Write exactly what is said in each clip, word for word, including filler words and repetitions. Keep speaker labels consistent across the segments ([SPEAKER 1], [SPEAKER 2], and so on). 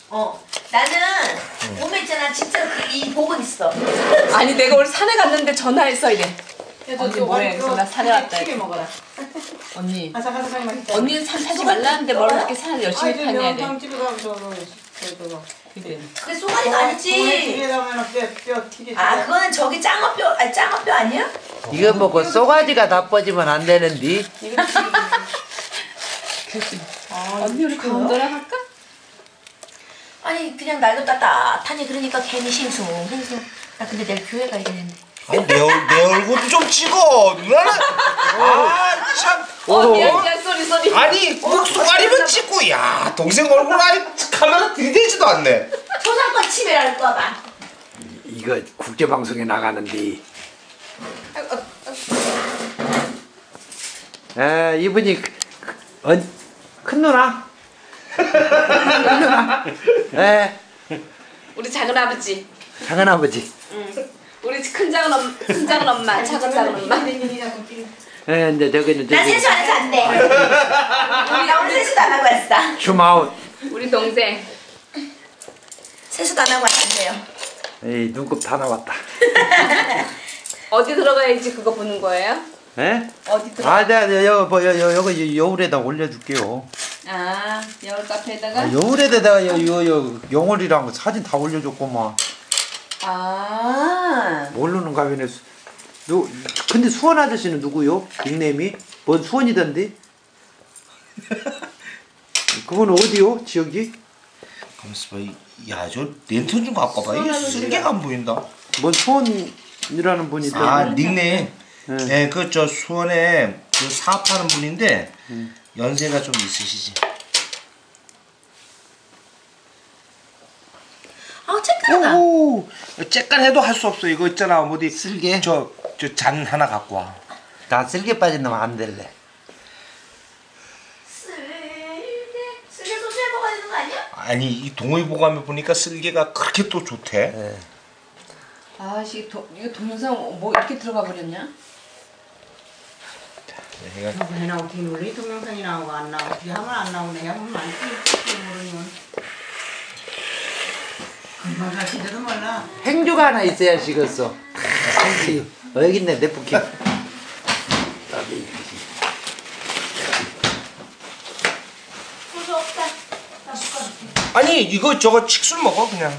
[SPEAKER 1] 어. 나는 응. 오면 있잖아 진짜 그 이 복은 있어.
[SPEAKER 2] 아니 내가 오늘 산에 갔는데 전화했어 이래.
[SPEAKER 3] 그래도
[SPEAKER 2] 언니 뭐해? 그래서 나 산에 왔다.
[SPEAKER 3] 튀겨 먹어라.
[SPEAKER 2] 언니.
[SPEAKER 3] 아삭아삭하게 맛있다.
[SPEAKER 2] 언니는 산 타지 말라는데 뭘 그렇게 산을 열심히 타냐 돼.
[SPEAKER 3] 집에 가면 저거 저거.
[SPEAKER 2] 그래.
[SPEAKER 1] 그게 쏘가리가 아니지.
[SPEAKER 3] 집에 가면 뼈뼈 튀겨.
[SPEAKER 1] 아 그거는 저기 짱어뼈 아니 짱어뼈 아니야?
[SPEAKER 4] 이거 먹고 쏘가지가 나빠지면 안 되는데.
[SPEAKER 2] 아, 언니 우리 강원도랑 할까?
[SPEAKER 1] 아니 그냥 날도 따뜻하니 그러니까 괜히 싱숭 싱숭. 나 근데 내일 교회 가야 되는데.
[SPEAKER 5] 아니 내, 얼, 내 얼굴도 좀 찍어 누나는. 아 참.
[SPEAKER 2] 어 미안 미안 쏘리 쏘리.
[SPEAKER 5] 아니 꼭 쏘가리만 찍고 야 동생 얼굴 아니 카메라 들이대지도 않네.
[SPEAKER 1] 초상권 침해랄까봐.
[SPEAKER 4] 이거 국제방송에 나가는데. 에 이분이 어, 큰 누나? 큰 누나? 에
[SPEAKER 2] 우리 작은 아버지.
[SPEAKER 4] 작은 아버지.
[SPEAKER 2] 응. 우리 큰 작은 엄, 큰 작은 엄마, 작은 작은 엄마.
[SPEAKER 4] 에 이제 저기는
[SPEAKER 1] 나 세수 안 해서 안 돼. 나 오늘 세수도 안 하고 왔어.
[SPEAKER 4] 줌아웃.
[SPEAKER 2] 우리 동생.
[SPEAKER 1] 세수도 안 하고 왔는데요.
[SPEAKER 4] 에이 눈곱 다 나왔다.
[SPEAKER 2] 어디 들어가야지 그거 보는 거예요?
[SPEAKER 4] 에?
[SPEAKER 2] 어디 들어?
[SPEAKER 4] 아, 네, 네, 여, 뭐, 여, 여, 여기 여울에다 올려줄게요.
[SPEAKER 2] 아, 여울 카페에다가?
[SPEAKER 4] 아, 여울에다가 여, 여, 여, 영월이랑 사진 다 올려줬구만.
[SPEAKER 2] 아.
[SPEAKER 4] 모르는 가면에 수, 누, 근데 수원 아저씨는 누구요? 닉네임이? 뭔 수원이던데? 그건 어디요? 지역이?
[SPEAKER 5] 가만있어 봐. 야, 저 랜턴 좀 갖고 봐. 이게 쓸개가 안 보인다.
[SPEAKER 4] 뭔 수원이라는 분이 있던데?
[SPEAKER 5] 아, 닉네임.
[SPEAKER 4] 네.
[SPEAKER 5] 네, 그 저 수원에 그 사업하는 분인데
[SPEAKER 4] 음.
[SPEAKER 5] 연세가 좀 있으시지.
[SPEAKER 1] 아 쬐까다.
[SPEAKER 5] 오, 쬐깐 해도 할 수 없어. 이거 있잖아, 어디
[SPEAKER 4] 쓸개?
[SPEAKER 5] 저 저 잔 하나 갖고 와.
[SPEAKER 4] 나 쓸개 빠진 놈 안 될래.
[SPEAKER 1] 쓸개 쓸개 소주에 먹어야 되는 거 아니야?
[SPEAKER 5] 아니 이 동의보감에 보니까 쓸개가 그렇게 또 좋대.
[SPEAKER 4] 네.
[SPEAKER 2] 아씨, 이거 동영상 뭐 이렇게 들어가 버렸냐?
[SPEAKER 5] 내가
[SPEAKER 3] 왜 나오고 어떻게 놀래? 동영상이 나오고 안 나오고 어떻게 하면 안 나오네. 하면 안 찍지 모르면. 금방 가시지도 몰라.
[SPEAKER 4] 행주가 하나 있어야 식었어. 행주. 어, 여기 있네, 네프킨.
[SPEAKER 1] 소주 없다.
[SPEAKER 5] 아니 이거 저거 칡술 먹어 그냥.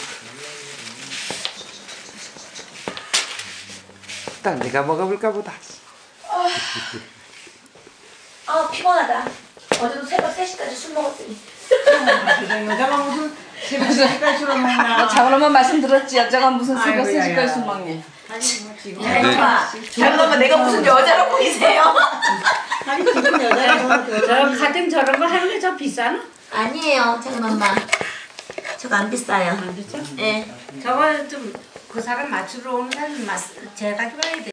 [SPEAKER 4] 일단 내가 먹어볼까 보다.
[SPEAKER 1] 아 피곤하다. 어제도 새벽 세 시까지 술 먹었더니.
[SPEAKER 3] 여자가 무슨 새벽 세 시까지 술을 먹나.
[SPEAKER 2] 어, 작은 엄마 말씀 들었지? 여자가 무슨 새벽
[SPEAKER 3] 아이고,
[SPEAKER 2] 세 시까지
[SPEAKER 3] 야야.
[SPEAKER 2] 술 먹니?
[SPEAKER 3] 아니 뭐 지금.
[SPEAKER 1] 야 이마. 잠깐만 내가 무슨 여자로 보이세요?
[SPEAKER 3] 아니 지금 여자가
[SPEAKER 6] 저런 가뜩 저런 거 하는 게 저 비싸나?
[SPEAKER 1] 아니에요 작은 엄마. 저거 안 비싸요.
[SPEAKER 6] 안 비싸?
[SPEAKER 1] 예.
[SPEAKER 6] 저거 좀 그 사람 맞추러 오는 사람 맞 제가 가져가야 돼.